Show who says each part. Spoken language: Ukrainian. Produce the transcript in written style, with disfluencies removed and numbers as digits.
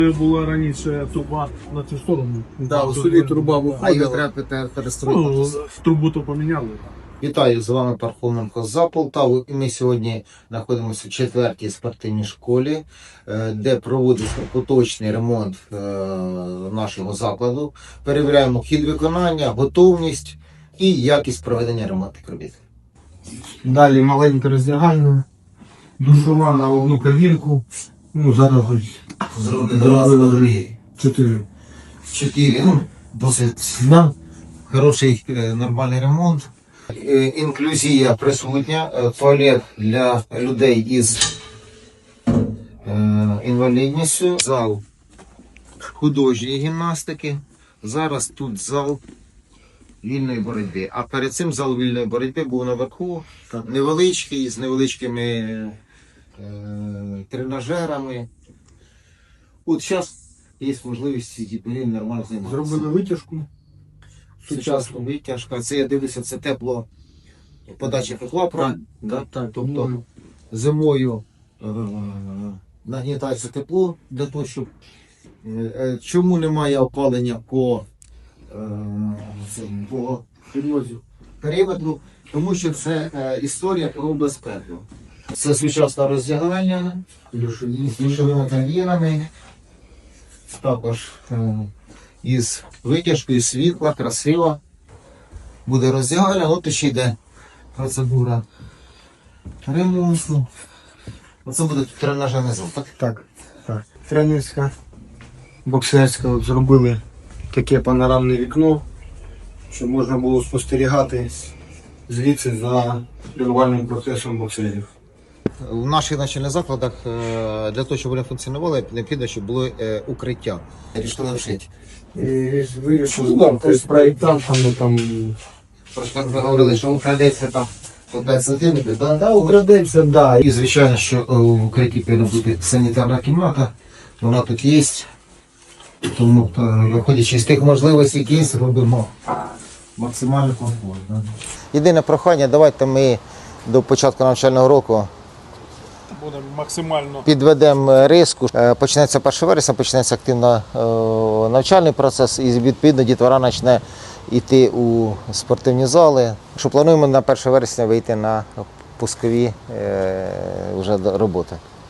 Speaker 1: Була раніше труба на цю сторону.
Speaker 2: Да, у селі труба
Speaker 3: А її
Speaker 2: виходила.
Speaker 3: треба перестроїти.
Speaker 1: Трубу то поміняли.
Speaker 3: Вітаю, з вами Пархоменко за Полтаву. І ми сьогодні знаходимося в 4-й спортивній школі, де проводиться поточний ремонт нашого закладу. Перевіряємо хід виконання, готовність і якість проведення ремонтних робіт.
Speaker 2: Далі маленька роздягальня, душова на одну кабінку. Ну, зараз ось зробили 4.
Speaker 3: 4. Досить хороший нормальний ремонт. Інклюзія присутня, туалет для людей із інвалідністю, зал художньої гімнастики. Зараз тут зал вільної боротьби. А перед цим зал вільної боротьби був наверху, невеличкий, з невеличкими тренажерами. От зараз є можливість ці нормально займатися.
Speaker 2: Зробили витяжку.
Speaker 3: Сучасна витяжка. Це я дивлюся, це тепло, подача тепла, правильно?
Speaker 2: Так,
Speaker 3: Тобто зимою нагнітається тепло для того, щоб чому немає опалення по периметру, тому що це історія про безпеку. Це сучасне роздягання з душовими кабінами, також із витяжкою світла, красиво. Буде роздягальня, от ще йде процедура ремонту. Оце буде тренажерний зал, так?
Speaker 2: Так. Тренерська, боксерська. От зробили таке панорамне вікно, щоб можна було спостерігати звідси за тренувальним процесом боксерів.
Speaker 3: В наших навчальних закладах для того, щоб вони функціонували, необхідно, щоб було укриття. Рішили вшити.
Speaker 2: Вирішили, з проєктантами там.
Speaker 3: Просто ви говорили, що украдеться там по 5 сантиметрів.
Speaker 2: Украдеться, да.
Speaker 3: І звичайно, що в укритті повинна бути санітарна кімната, вона тут є. Тому, виходячи з тих можливостей, які є, робимо максимально комфортно. Єдине прохання, давайте ми до початку навчального року
Speaker 1: Будемо максимально.
Speaker 3: підведемо риску. Почнеться 1 вересня, почнеться активно навчальний процес і відповідно дітвора почне йти у спортивні зали. Що плануємо на 1 вересня вийти на пускові вже роботи.